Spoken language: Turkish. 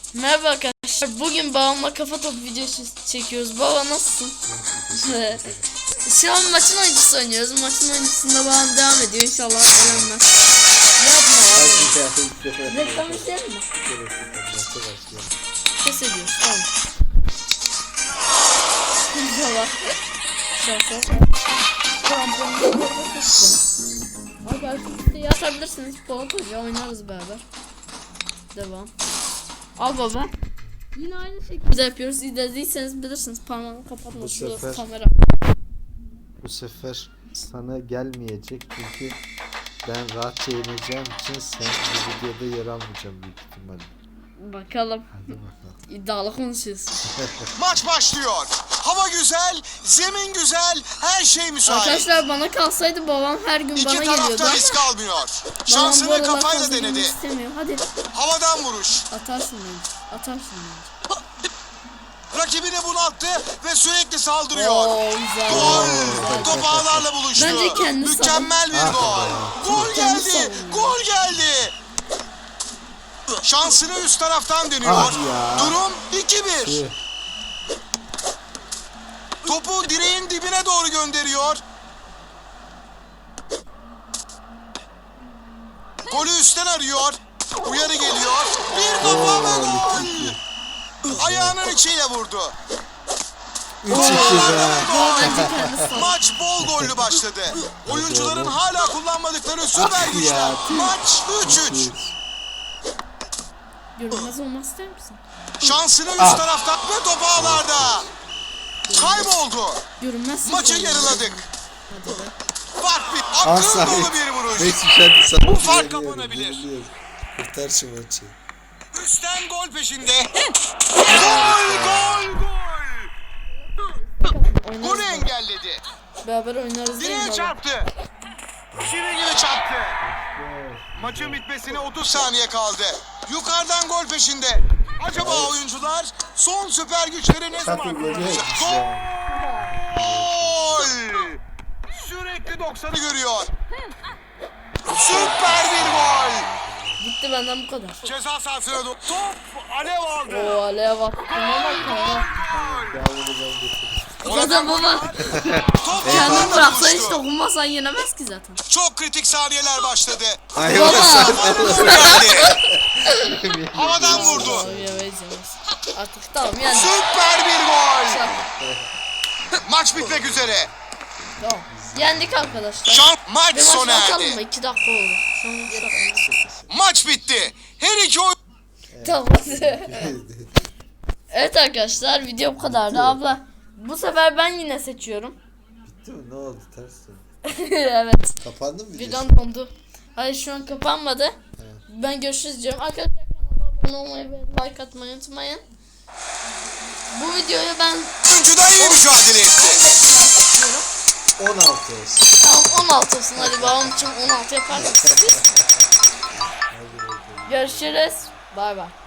Merhaba arkadaşlar. Bugün babamla kafa topu videosu çekiyoruz. Baba nasılsın? Şu an maçın oyuncusu oynuyoruz. Maçın oyuncusunda babam devam ediyor. İnşallah elenmez. Yapma abi. Reklam isteyelim mi? Kes ediyoruz. Tamam. İnşallah. Şansa. Arkadaşlar yazabilirsiniz. Polatca oynarız beraber. Devam. Al baba. Yine aynı şekilde yapıyoruz. İzlediyseniz bilirsiniz. Parmağını kapatma şu kamera. Bu sefer sana gelmeyecek çünkü ben rahatça yeneceğim için sen bu videoda yer almayacağım büyük ihtimalle. Bakalım. Hadi bakalım. İddialı konuşuyoruz. Maç başlıyor. Hava güzel, zemin güzel, her şey müsait. Arkadaşlar bana kalsaydı babam her gün bana İki geliyordu tarafta ama risk almıyor. babam bu Şansını aralar kafayla fazla denedi. yemek istemiyor. Hadi Havadan vuruş. atarsın bence. Atarsın bence. Rakibini bunalttı ve sürekli saldırıyor. Oo güzel. Gol! Güzel. Top ağlarla buluştu. Bence kendi Mükemmel bir Ah, gol. Gol kendi geldi. savunuyor. Gol geldi. Şansını üst taraftan deniyor. Ah ya. Durum 2-1. Topu direğin dibine doğru gönderiyor. Golü üstten arıyor. Uyarı geliyor. Bir kafa ve gol. Ayağının içiyle vurdu. 3-2 be. Baba bence kendi savunuyor. Maç bol gollü başladı. Oyuncuların hala kullanmadıkları süper Ah güçler. ya. Maç 3-3. Görünmez olmak ister misin? Şansını üst Ah. taraftan ve top ağlarda. Kayboldu. Görünmezsin. Maçı sen. yarıladık. Hadi be. Fark bir Ah akıl Sahip. dolu bir vuruş. Neyse sen sana Bu fark güveniyorum, kapanabilir. güveniyorum. Kurtar şu maçı. Üstten gol peşinde. Gol gol gol. Golü Oynarız. engelledi. Beraber oynarız değil mi Direğe baba? çarptı. Çivi gibi çarptı. Maçın bitmesine 30 saniye kaldı. Yukarıdan gol peşinde. Acaba oyuncular son süper güçleri ne zaman kullanacak? Gol! Sürekli 90'ı görüyor. Süper bir gol. Bitti benden bu kadar. Ceza sahasına top alev aldı. Oo alev attım ama tamam. Zaten baba Top kendin yandan bıraksan hiç buluştu. dokunmasan yenemez ki zaten. Çok kritik saniyeler başladı. Hayvan Gol geldi. Havadan vurdu. Tamam, yemeyiz. Artık tamam yani. Süper bir gol. Maç bitmek üzere. Tamam. Yendik arkadaşlar. Maç Bir sona maç atalım mı? erdi. 2 dakika oldu. Şu an 2 dakika. Maç bitti. Her iki oyun... Tamam. Evet arkadaşlar video bu kadardı. Abla bu sefer ben yine seçiyorum. Bitti mi? Ne oldu? Ters döndü. Evet. Kapandı mı videosu? Birden dondu. Hayır şu an kapanmadı. Ben görüşürüz diyorum. Arkadaşlar kanala abone olmayı ve like atmayı unutmayın. Bu videoyu ben Oyuncuda iyi mücadele etti. istiyorum. 16 olsun. Tamam 16 olsun. Hadi babam için 16 yaparsınız. Görüşürüz. Bay bay.